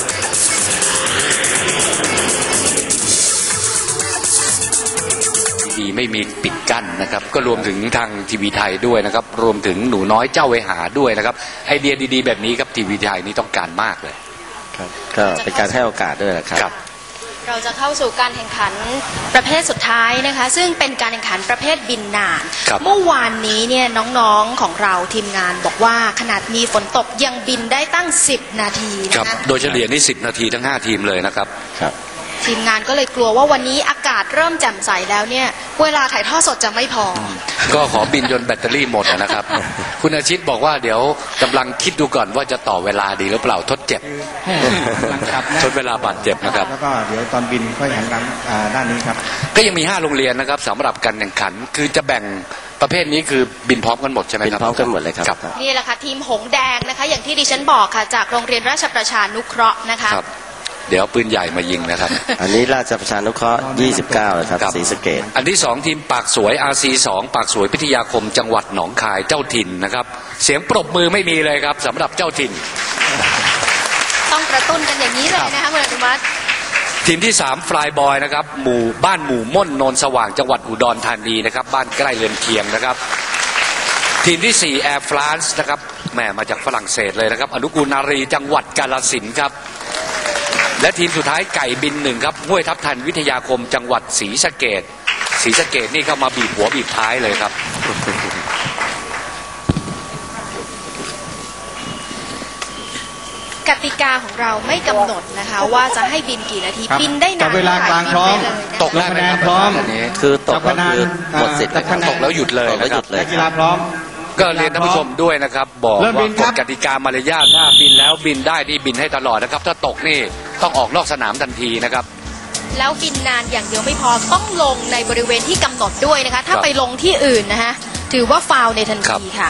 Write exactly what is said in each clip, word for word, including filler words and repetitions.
ดีไม่มีปิดกั้นนะครับก็รวมถึงทางทีวีไทยด้วยนะครับรวมถึงหนูน้อยเจ้าเวหาด้วยนะครับไอเดียดีๆแบบนี้ครับทีวีไทยนี่ต้องการมากเลยครับก็เป็นการให้โอกาสด้วยนะครับเราจะเข้าสู่การแข่งขันประเภทสุดท้ายนะคะซึ่งเป็นการแข่งขันประเภทบินนานเมื่อวานนี้เนี่ยน้องๆของเราทีมงานบอกว่าขนาดมีฝนตกยังบินได้ตั้งสิบนาทีนะคะโดยเฉลี่ยนี่สิบนาทีทั้งห้าทีมเลยนะครับครับทีมงานก็เลยกลัวว่าวันนี้อากาศเริ่มแจ่มใสแล้วเนี่ยเวลาถ่ายทอดสดจะไม่พอก็ขอบินจนแบตเตอรี่หมดนะครับคุณอาชิตบอกว่าเดี๋ยวกำลังคิดดูก่อนว่าจะต่อเวลาดีหรือเปล่าทดเจ็บทดเวลาบาดเจ็บนะครับแล้วก็เดี๋ยวตอนบินค่อยหันหลังด้านนี้ครับก็ยังมีห้าโรงเรียนนะครับสำหรับการแข่งขันคือจะแบ่งประเภทนี้คือบินพร้อมกันหมดใช่ไหมครับบินพร้อมกันหมดเลยครับนี่แหละค่ะทีมหงแดงนะคะอย่างที่ดิฉันบอกค่ะจากโรงเรียนราชประชานุเคราะห์นะคะเดี๋ยวปืนใหญ่มายิงนะครับอันนี้ราชประชานุเคราะห์ยี่สิบเก้านะครับศรีสะเกษอันที่สองทีมปากสวย อาร์ ซี สองปากสวยพิทยาคมจังหวัดหนองคายเจ้าถิ่นนะครับเสียงปรบมือไม่มีเลยครับสำหรับเจ้าถิ่นต้องกระตุ้นกันอย่างนี้เลยนะคะคุณอนุมัติทีมที่สามฟลายบอยนะครับหมู่บ้านหมู่ม่นโนนสว่างจังหวัดอุดรธานีนะครับบ้านใกล้เรือนเคียงนะครับทีมที่สี่แอร์ฟรานซ์นะครับแหมมาจากฝรั่งเศสเลยนะครับอนุกูลนารีจังหวัดกาฬสินธุ์ครับและทีมสุดท้ายไก่บินหนึ่งครับห้วยทับทันวิทยาคมจังหวัดศรีสะเกษศรีสะเกษนี่เข้ามาบีบหัวบีบท้ายเลยครับกติกาของเราไม่กำหนดนะคะว่าจะให้บินกี่นาทีบินได้นานเวลากลางพร้อมตกคะแนนพร้อมคือตกแล้วคือหมดสิทธิ์ตกแล้วหยุดเลยนะครับนักกีฬาพร้อมก็เรียนท่านผู้ชมด้วยนะครับบอกว่ากฎกติกามารยาทถ้าบินแล้วบินได้นี่บินให้ตลอดนะครับถ้าตกนี่ต้องออกนอกสนามทันทีนะครับแล้วบินนานอย่างเดียวไม่พอต้องลงในบริเวณที่กำหนดด้วยนะคะถ้าไปลงที่อื่นนะฮะถือว่าฟาวล์ในทันทีค่ะ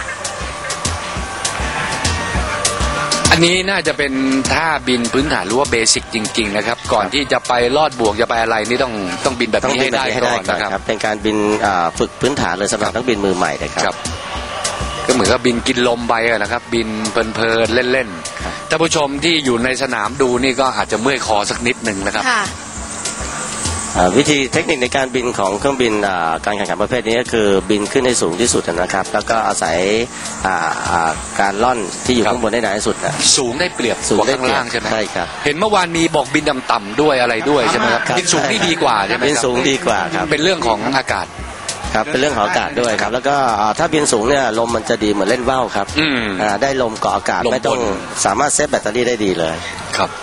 อันนี้น่าจะเป็นท่าบินพื้นฐานหรือว่าเบสิกจริงๆนะครับก่อนที่จะไปลอดบวกจะไปอะไรนี่ต้องต้องบินแบบนี้ให้ได้ก่อนนะครับเป็นการบินฝึกพื้นฐานเลยสำหรับนักบินมือใหม่นะครับก็เหมือนกับบินกินลมไปนะครับบินเพลินๆเล่นๆท่านผู้ชมที่อยู่ในสนามดูนี่ก็อาจจะเมื่อยคอสักนิดหนึ่งนะครับวิธีเทคนิคในการบินของเครื่องบินการแข่งขันประเภทนี้ก็คือบินขึ้นให้สูงที่สุดนะครับแล้วก็อาศัยการล่อนที่อยู่ข้างบนได้นานที่สุดสูงได้เปรียบสูงได้ข้างล่างใช่ไหมใช่ครับเห็นเมื่อวานมีบอกบินต่ำๆด้วยอะไรด้วยใช่ไหมครับบินสูงนี่ดีกว่าใช่ไหมบินสูงดีกว่าครับเป็นเรื่องของอากาศครับเป็นเรื่องของอากาศด้วยครับแล้วก็ถ้าบินสูงเนี่ยลมมันจะดีเหมือนเล่นว่าวครับได้ลมเกาะอากาศไม่ต้องสามารถเซฟแบตเตอรี่ได้ดีเลยครับ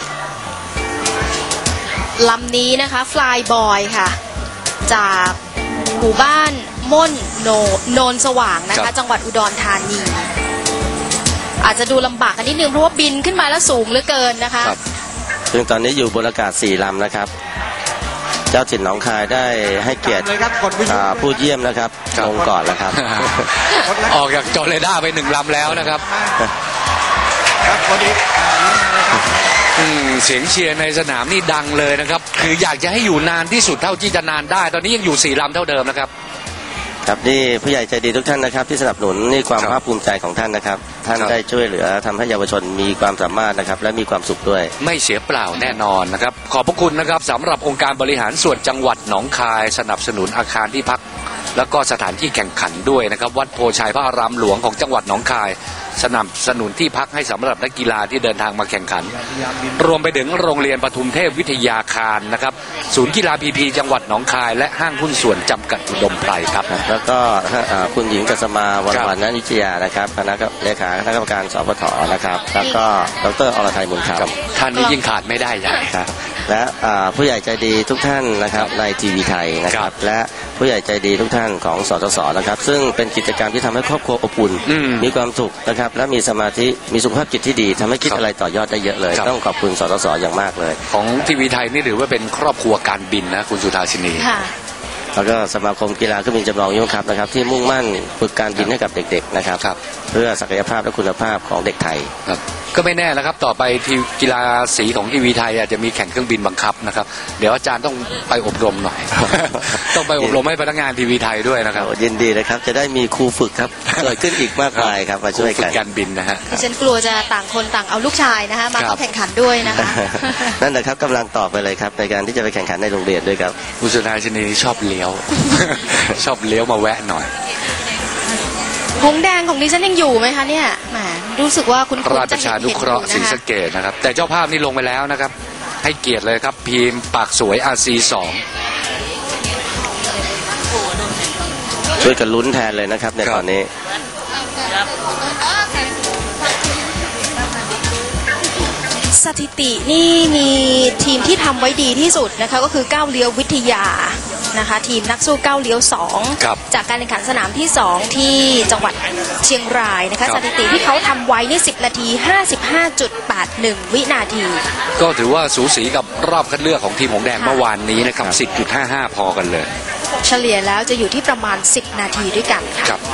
ลำนี้นะคะฟลายบอยค่ะจากหมู่บ้านม่นโนโนนสว่างนะคะจังหวัดอุดรธานีอาจจะดูลำบากกันนิดนึงเพราะว่าบินขึ้นมาแล้วสูงเหลือเกินนะคะซึ่งตอนนี้อยู่บนอากาศสี่ลำนะครับเจ้าถิ่นหนองคายได้ให้เกียรติผู้เยี่ยมนะครับลงก่อนแล้วครับออกจากจอเรดาร์ไปหนึ่งลำแล้วนะครับเสียงเชียร์ในสนามนี่ดังเลยนะครับคืออยากจะให้อยู่นานที่สุดเท่าที่จะนานได้ตอนนี้ยังอยู่สี่ลำเท่าเดิมนะครับครับนี่ผู้ใหญ่ใจดีทุกท่านนะครับที่สนับสนุนนี่ความภาคภูมิใจของท่านนะครับท่านได้ช่วยเหลือทำให้เยาวชนมีความสามารถนะครับและมีความสุขด้วยไม่เสียเปล่าแน่นอนนะครับขอบพระคุณนะครับสำหรับองค์การบริหารส่วนจังหวัดหนองคายสนับสนุนอาคารที่พักแล้วก็สถานที่แข่งขันด้วยนะครับวัดโพชัยพระอารามหลวงของจังหวัดหนองคายสนับสนุนที่พักให้สำหรับนักกีฬาที่เดินทางมาแข่งขันรวมไปถึงโรงเรียนปทุมเทพวิทยาคารนะครับศูนย์กีฬาพีพีจังหวัดหนองคายและห้างหุ้นส่วนจำกัดอุดมไพรครับแล้วก็คุณหญิงกัสมาวันวันนันทิชยานะครับคณะเลขาคณะกรรมการสปทนะครับแล้วก็ดร.อรทัยมุนคำท่านนี้ยิ่งขาดไม่ได้อย่างครับและผู้ใหญ่ใจดีทุกท่านนะครับในทีวีไทยนะครับและผู้ใหญ่ใจดีทุกท่านของสสสนะครับซึ่งเป็นกิจกรรมที่ทำให้ครอบครัวอบอุ่นมีความสุขนะครับและมีสมาธิมีสุขภาพจิตที่ดีทำให้คิดอะไรต่อยอดได้เยอะเลยต้องขอบคุณสสสอย่างมากเลยของทีวีไทยนี่ถือว่าเป็นครอบครัวการบินนะคุณสุธาชินีแล้วก็สมาคมกีฬาเครื่องบินจำลองยุทธครับนะครับที่มุ่งมั่นฝึกการบินให้กับเด็กๆนะครับเพื่อศักยภาพและคุณภาพของเด็กไทยก็ไม่แน่แล้วครับต่อไปทีมกีฬาสีของทีวีไทยอาจจะมีแข่งเครื่องบินบังคับนะครับเดี๋ยวอาจารย์ต้องไปอบรมหน่อย ต้องไปอบรมให้พนักงานทีวีไทยด้วยนะครับยินดีเลยครับจะได้มีครูฝึกครับเกิดขึ้นอีกมากมายครับมาช่วยฝึกักนการบินนะฮะดิฉันกลัวจะต่างคนต่างเอาลูกชายนะคะมาครัเข้าบแข่งขันด้วยนะคะนั่นแหละครับกำลังต่อไปเลยครับในการที่จะไปแข่งขันในโรงเรียนด้วยครับผู้ชายชนีชอบเลี้ยว ชอบเลี้ยวมาแวะหน่อยหงส์แดงของดิฉันยังอยู่ไหมคะเนี่ยแหมรู้สึกว่าคุณคุณราชจะประชาเห็นนุเห็นเคอราะยู่ห์ศรีนะคะสะเกษนะครับแต่เจ้าภาพนี่ลงไปแล้วนะครับให้เกียรติเลยครับทีมปากสวย อาร์ ซี สองช่วยกันลุ้นแทนเลยนะครับในครับตอนนี้สถิตินี่มีทีมที่ทำไว้ดีที่สุดนะคะก็คือก้าวเลี้ยววิทยานะคะทีมนักสู้ก้าวเลี้ยวสองครับจากการแข่งขันสนามที่สองที่จังหวัดเชียงรายนะครัคะบสถิติที่เขาทำไว้นี่สิบนาที ห้าสิบห้าจุดแปดหนึ่ง วินาทีก็ถือว่าสูสีกับรอบคัดเลือกของทีมหงส์แดงเมื่อวานนี้นะครับ สิบจุดห้าห้า พอกันเลยเฉลี่ยแล้วจะอยู่ที่ประมาณสิบนาทีด้วยกันค่ะครับ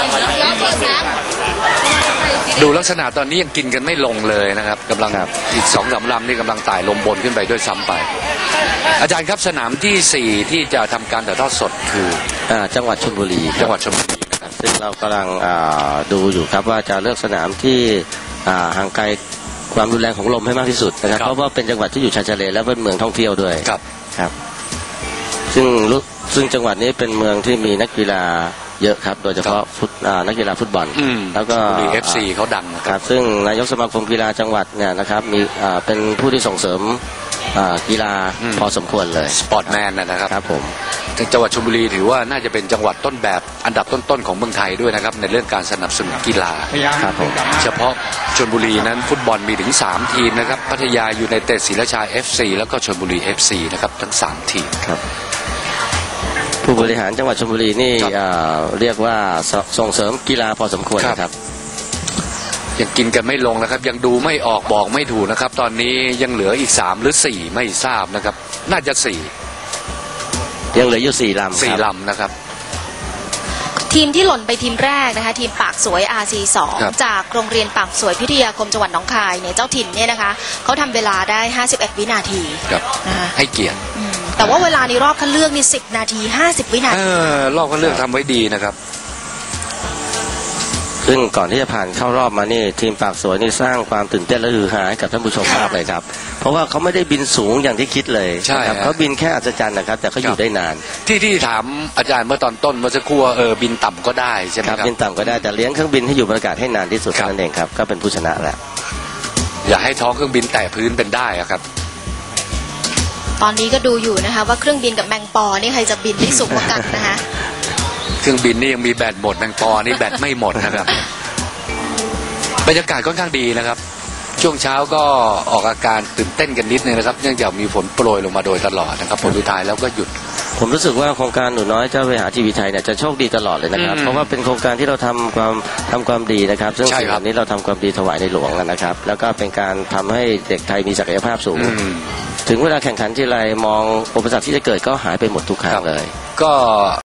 ดูลักษณะตอนนี้ยังกินกันไม่ลงเลยนะครับกำลังครับอีกสองสามลำนี่กำลังไต่ลมบนขึ้นไปด้วยซ้ำไป อาจารย์ครับสนามที่สี่ที่จะทำการถ่ายทอดสดคืออ่าจังหวัดชลบุรีครับจังหวัดชลบุรีนะครับซึ่งเรากำลังอ่าดูอยู่ครับว่าจะเลือกสนามที่อ่าห่างไกลความรุนแรงของลมให้มากที่สุดนะครับครับเพราะว่าเป็นจังหวัดที่อยู่ชายทะเลและเป็นเมืองท่องเที่ยวด้วยครับครับ ซึ่งรู้ซึ่งจังหวัดนี้เป็นเมืองที่มีนักกีฬาเยอะครับโดยเฉพาะฟุตอ่านักกีฬาฟุตบอลอืมแล้วก็ชลบุรี เอฟ ซี เขาดังนะคครับ รับซึ่งนายกสมาคมกีฬาจังหวัดเนี่ยนะครับมีอ่าเป็นผู้ที่ส่งเสริมอ่ากีฬาอืมพอสมควรเลยสปอร์ตแมนนะครับครับผมจังหวัดชลบุรีถือว่าน่าจะเป็นจังหวัดต้นแบบอันดับต้นๆของเมืองไทยด้วยนะครับในเรื่องการสนับสนุนกีฬาพยายามครับผมเฉพาะชลบุรีนั้นฟุตบอลมีถึงสามทีมนะครับพัทยายูไนเต็ดศรีราชา เอฟ ซี แล้วก็ชลบุรี เอฟ ซี นะครับทั้งสามทีมครับผู้บริหารจังหวัดชลบุรีนี่ครับอ่าเรียกว่าสส่งเสริมกีฬาพอสมควรครับนะครับยังกินกันไม่ลงนะครับยังดูไม่ออกบอกไม่ถูกนะครับตอนนี้ยังเหลืออีกสามหรือสี่ไม่ทราบนะครับน่าจะสี่ยังเหลืออยู่สี่ลำสี่ครับลำนะครับทีมที่หล่นไปทีมแรกนะคะทีมปากสวย อาร์ ซี สองครับจากโรงเรียนปากสวยพิทยาคมจังหวัดหนองคายเนี่ยเจ้าถิ่นเนี่ยนะคะเขาทำเวลาได้ห้าสิบเอ็ดวินาทีครับนะคะให้เกียรติอืมแต่ว่าเวลาในรอบคัดเลือกนี่สิบนาทีห้าสิบวินาเอทีอรอบก็เลือกทำไว้ดีนะครับซึ่งก่อนที่จะผ่านเข้ารอบมานี่ทีมปากสวยนี่สร้างความตื่นเต้นและฮือฮาให้กับท่านผู้ชมมากเลยครับ เพราะว่าเขาไม่ได้บินสูงอย่างที่คิดเลยใช่นะครับฮะเขาบินแค่อัศจรรย์นะครับ แต่เขาอยู่ได้นานที่ที่ถามอาจารย์เมื่อตอนต้นเมื่อสักครู่ว่าเออบินต่ำก็ได้ใช่ไหมคครัรับบ บินต่ำก็ได้แต่เลี้ยงเครื่องบินให้อยู่บนอากาศให้นานที่สุดครับเท่านั้นเองครับก็เป็นผู้ชนะแล้วอย่าให้ท้องเครื่องบินแตะพื้นเป็นได้อะครับตอนนี้ก็ดูอยู่นะคะว่าเครื่องบินกับแมงปอนี่ใครจะบินได้สูงกว่ากันนะคะเครื่องบินนี่ยังมีแบตหมดแมงปอนี่แบตไม่หมดนะครับบรรยากาศค่อนข้างดีนะครับ ช่วงเช้าก็ออกอาการตื่นเต้นกันนิดนึงนะครับเนื่องจากมีฝนโปรยลงมาโดยตลอดนะครับผลสุดท้ายแล้วก็หยุดผมรู้สึกว่าโครงการหนูน้อยเจ้าไปหาทีวีไทยเนี่ยจะโชคดีตลอดเลยนะครับอืมเพราะว่าเป็นโครงการที่เราทำความทำความดีนะครับ ซึ่งใช่สิ่งคเหรับล่านี้เราทำความดีถวายในหลวงนะครับ แล้วก็เป็นการทำให้เด็กไทยมีศักยภาพสูงอืมถึงเวลาแข่งขันที่ไรมองอุปสรรคที่จะเกิดก็หายไปหมดทุกครั้งเลยก็